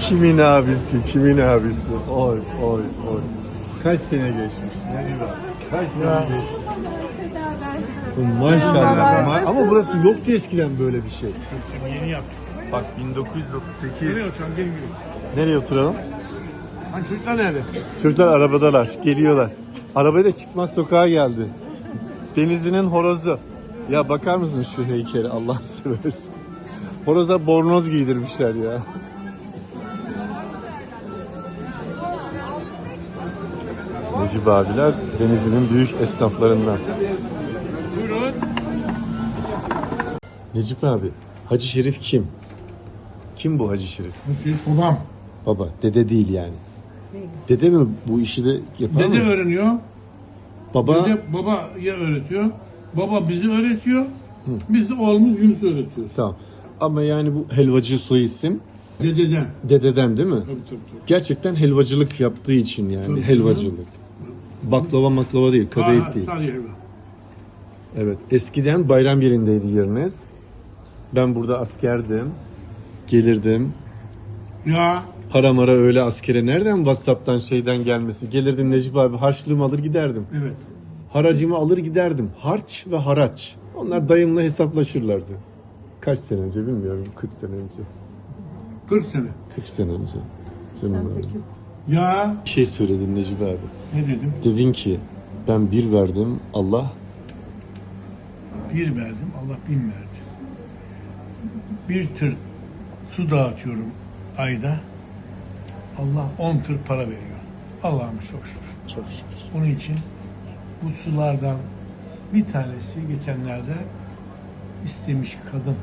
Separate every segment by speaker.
Speaker 1: Kimin abisi, kimin abisi? Oy, oy, oy. Kaç sene geçmiş? Necip abi? Kaç sene geçmiş? Maşallah.
Speaker 2: Merhabalar,
Speaker 1: Ama burası yoktu eskiden böyle bir şey.
Speaker 3: Yeni yaptık.
Speaker 1: Bak 1938.
Speaker 3: Nereye oturalım? Gelin gidelim.
Speaker 1: Nereye oturalım?
Speaker 3: Hani çocuklar nerede?
Speaker 1: Çocuklar arabadalar, geliyorlar. Arabaya da çıkmaz sokağa geldi. Denizli'nin horozu. Ya bakar mısın şu heykeli Allah'ını seversen. Horoza bornoz giydirmişler ya. Necip abiler Denizli'nin büyük esnaflarından.
Speaker 3: Buyurun.
Speaker 1: Necip abi, Hacı Şerif kim? Kim bu Hacı Şerif?
Speaker 3: Bu babam.
Speaker 1: Baba, dede değil yani. Dede mi bu işi de yapar
Speaker 3: Dede
Speaker 1: mı?
Speaker 3: öğreniyor.
Speaker 1: Baba,
Speaker 3: Dede babaya öğretiyor. Baba bizi öğretiyor. Biz de oğlumuz Yunus'u öğretiyoruz.
Speaker 1: tamam. Ama yani bu helvacı soy isim
Speaker 3: Dededen.
Speaker 1: dededen değil mi?
Speaker 3: Tabii.
Speaker 1: Gerçekten helvacılık yaptığı için yani
Speaker 3: Tabii.
Speaker 1: helvacılık. Baklava maklava değil, kadayıf değil.
Speaker 3: Sadece helva.
Speaker 1: Evet, eskiden bayram yerindeydi yeriniz. Ben burada askerdim. Gelirdim.
Speaker 3: Ya.
Speaker 1: Para mara öyle askere nereden WhatsApp'tan şeyden gelmesi? Gelirdim Necip abi harçlığımı alır giderdim.
Speaker 3: Evet.
Speaker 1: Haracımı alır giderdim. Harç ve haraç. Onlar dayımla hesaplaşırlardı. Kaç sene önce bilmiyorum. 40 sene önce.
Speaker 3: 40 sene.
Speaker 1: 40 sene önce. Canım abi.
Speaker 2: 88.
Speaker 3: Ya.
Speaker 1: Bir şey söyledin Necip abi.
Speaker 3: Ne dedim?
Speaker 1: Dedin ki ben bir verdim Allah
Speaker 3: Bir verdim. Allah 1000 verdi. Bir tır su dağıtıyorum ayda. Allah 10 tır para veriyor. Allah'ım çok şükür.
Speaker 1: çok şükür.
Speaker 3: Onun için bu sulardan bir tanesi geçenlerde istemiş kadın.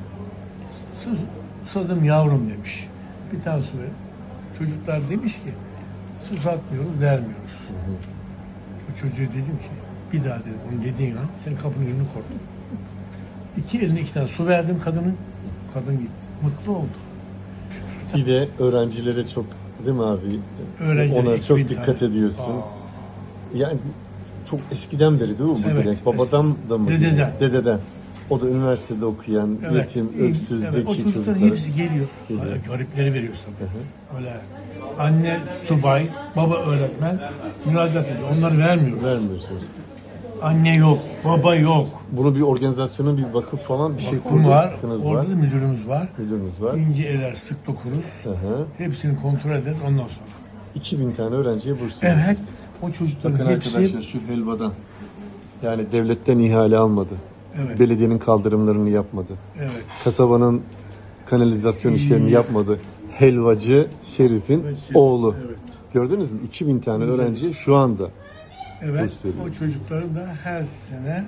Speaker 3: Susadım yavrum demiş. Bir tane su ver. Çocuklar demiş ki susatmıyoruz, vermiyoruz. Bu çocuğa dedim ki bir daha dedim onu dediğin an senin kapının önünü korktum. İki eline 2 tane su verdim kadının. Kadın gitti. Mutlu oldu.
Speaker 1: Bir de öğrencilere çok değil mi abi?
Speaker 3: Öğrencilere
Speaker 1: Ona çok
Speaker 3: 2000
Speaker 1: dikkat
Speaker 3: tane.
Speaker 1: ediyorsun.
Speaker 3: Aa.
Speaker 1: Yani çok eskiden beri değil mi bu
Speaker 3: Evet,
Speaker 1: gelenek? Babadan da mı?
Speaker 3: Dededen.
Speaker 1: Dededen. O da üniversitede okuyan, yetim, öksüz,
Speaker 3: Evet,
Speaker 1: zeki
Speaker 3: o çocukların
Speaker 1: çocuklar.
Speaker 3: hepsi geliyor.
Speaker 1: Geliyor.
Speaker 3: Garipleri veriyoruz tabii. Öyle anne subay, baba öğretmen müracaat ediyor. Onları vermiyoruz.
Speaker 1: Vermiyorsunuz.
Speaker 3: Anne yok, baba yok.
Speaker 1: Bunu bir organizasyona, bir vakıf falan bir şey
Speaker 3: Vakfım var,
Speaker 1: kurdunuz
Speaker 3: orada
Speaker 1: var.
Speaker 3: da müdürümüz var.
Speaker 1: Müdürünüz var.
Speaker 3: İnce eller sık dokuruz.
Speaker 1: Hı hı.
Speaker 3: Hepsini kontrol ederiz ondan sonra.
Speaker 1: 2000 tane öğrenciye burs
Speaker 3: Evet,
Speaker 1: veriyorsunuz.
Speaker 3: o çocukların
Speaker 1: Bakın
Speaker 3: hepsi...
Speaker 1: arkadaşlar şu helvadan. Yani devletten ihale almadı.
Speaker 3: Evet.
Speaker 1: Belediyenin kaldırımlarını yapmadı.
Speaker 3: Evet.
Speaker 1: Kasabanın kanalizasyon işlerini yapmadı. Helvacı Şerif'in oğlu.
Speaker 3: Evet.
Speaker 1: Gördünüz mü? 2000 tane öğrenciye şu anda.
Speaker 3: Evet,
Speaker 1: Burs veriyor.
Speaker 3: o çocukların da her sene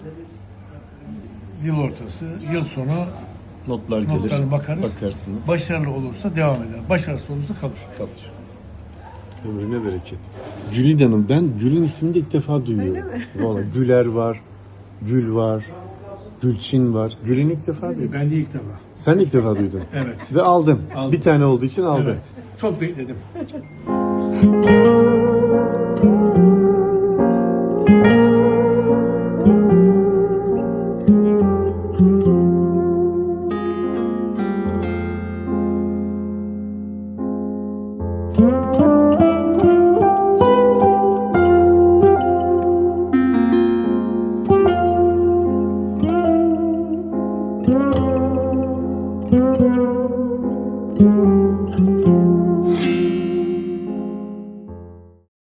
Speaker 3: yıl ortası, yıl sonu
Speaker 1: Notlar gelir.
Speaker 3: notlarına bakarız.
Speaker 1: Bakarsınız.
Speaker 3: Başarılı olursa devam eder. Başarısız olursa kalır.
Speaker 1: Kalır. Ömrüne bereket. Gülida'nın, ben Gül'ün ismini de ilk defa duyuyorum. Vallahi Güler var, Gül var, Gülçin var. Gül'ün ilk defa duydum.
Speaker 3: Ben de ilk defa.
Speaker 1: Sen de ilk defa duydun.
Speaker 3: Evet.
Speaker 1: Ve aldın.
Speaker 3: Aldım.
Speaker 1: Bir tane olduğu için aldın.
Speaker 3: Evet. Çok bekledim.